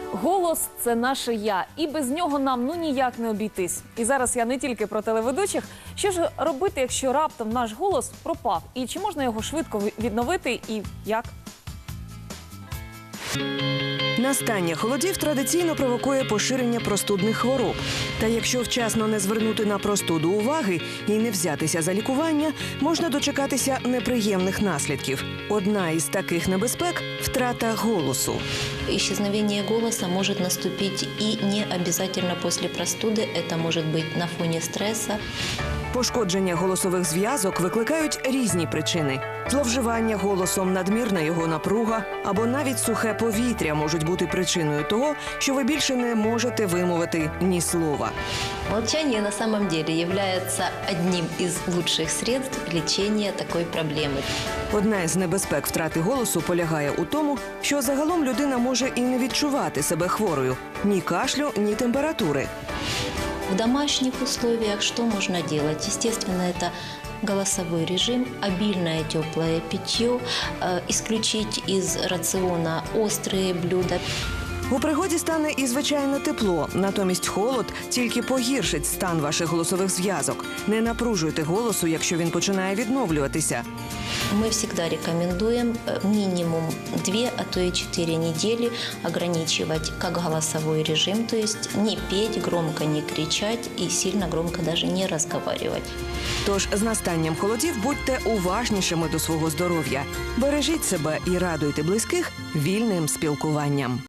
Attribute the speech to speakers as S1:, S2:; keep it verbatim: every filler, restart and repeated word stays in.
S1: Голос – це наше «я», і без нього нам ну ніяк не обійтись. І зараз я не тільки про телеведучих. Що ж робити, якщо раптом наш голос пропав? І чи можна його швидко відновити і як?
S2: Настання холодів традиційно провокує поширення простудних хвороб. Та якщо вчасно не звернути на простуду уваги і не взятися за лікування, можна дочекатися неприємних наслідків. Одна із таких небезпек – втрата голосу.
S3: Исчезновение голоса может наступить и не обязательно после простуды. Это может быть на фоне стресса.
S2: Пошкодження голосових зв'язок викликають різні причини. Зловживання голосом, надмірна його напруга або навіть сухе повітря можуть бути причиною того, що ви більше не можете вимовити ні слова.
S3: Молчание на самом деле является одним из лучших средств лечения такой проблемы.
S2: Одна із небезпек втрати голосу полягає у тому, що загалом людина може і не відчувати себе хворою – ні кашлю, ні температури.
S3: В домашних условиях что можно делать? Естественно, это голосовой режим, обильное теплое питье, э, исключить из рациона острые блюда.
S2: У пригоді стане і звичайне тепло, натомість холод тільки погіршить стан ваших голосових зв'язок. Не напружуйте голосу, якщо він починає відновлюватися.
S3: Мы всегда рекомендуем э, минимум две, а то и четыре недели ограничивать как голосовой режим, то есть не петь, громко не кричать и сильно громко даже не разговаривать.
S2: Тож з настанням холодів будьте уважнішими до свого здоров'я. Бережіть себе і радуйте близьких вільним спілкуванням.